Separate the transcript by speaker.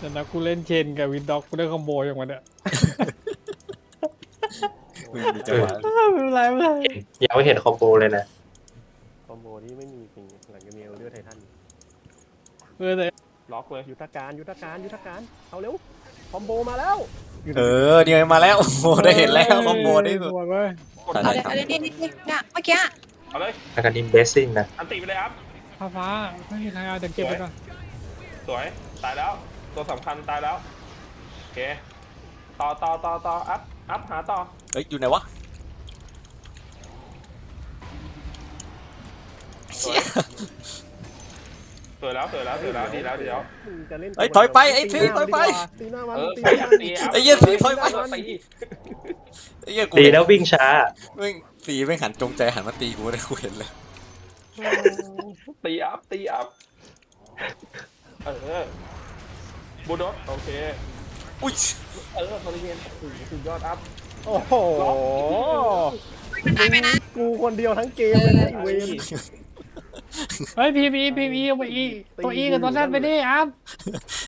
Speaker 1: แต่นะกูเล่นเชนกับวินด็อกกูได้คอมโบอย่างมันเนี่ย
Speaker 2: มึงมีจังหวะ
Speaker 1: ไม่เป็นไรไม่เป็นไร
Speaker 3: ยังไม่เห็นคอมโบเลยนะ
Speaker 4: คอมโบที่ไม่มีจริงหลังจากมีเอลเดอร์ไททัน
Speaker 1: แต่
Speaker 4: ล็อกเลยยุทธการเอาเร็วคอมโบมาแล้ว
Speaker 2: เนี่ยมาแล้วโอ้โหได้เห็นแล้วคอมโบนี่
Speaker 1: หมดเว้ย
Speaker 2: ใช่
Speaker 5: เอาเลยนี่เนี่ยเมื่อกี้
Speaker 6: เอาเลย
Speaker 3: แล้วก็นิมเบสซิ่งนะ
Speaker 6: อันติไปเลยครับ
Speaker 1: ฟ้าไม่มีใครเอาแต่เก็บไปก่อน
Speaker 6: สวยตายแล้ว ตัวสำคัญตายแล้วโอเคต่ออัพหาต่อ
Speaker 2: เฮ้ยอยู่ไหนวะ
Speaker 6: สวยสวยแล้วดีแล้ว
Speaker 4: มึงจะเล่น
Speaker 2: เฮ้ยถอยไปไอ้พี่ถอยไป
Speaker 4: ตีหน้ามัน
Speaker 6: ตี
Speaker 4: ตีหน้ามัน
Speaker 6: ตีอัพ
Speaker 2: ไอ้เหี้ยพี่ถอยไป
Speaker 6: ตี
Speaker 2: ไอ้เหี้ยกู
Speaker 3: ดีแล้ววิ่งช้า
Speaker 2: แม่งสีไม่หันจงใจหันมาตีกูเลยกูเห็นเลย
Speaker 6: ตีอัพบูดอสโอเค
Speaker 2: อุ้ย
Speaker 6: บริเวณสุดยอดอัพ
Speaker 4: โอ้โห
Speaker 5: มันตายไปนะ
Speaker 4: กูคนเดียวทั้งเกมเลยนะไอ้เวน
Speaker 1: เฮ้ยพีมีเอาไปอีตัวอีกับตัวแซดไปดิอัพ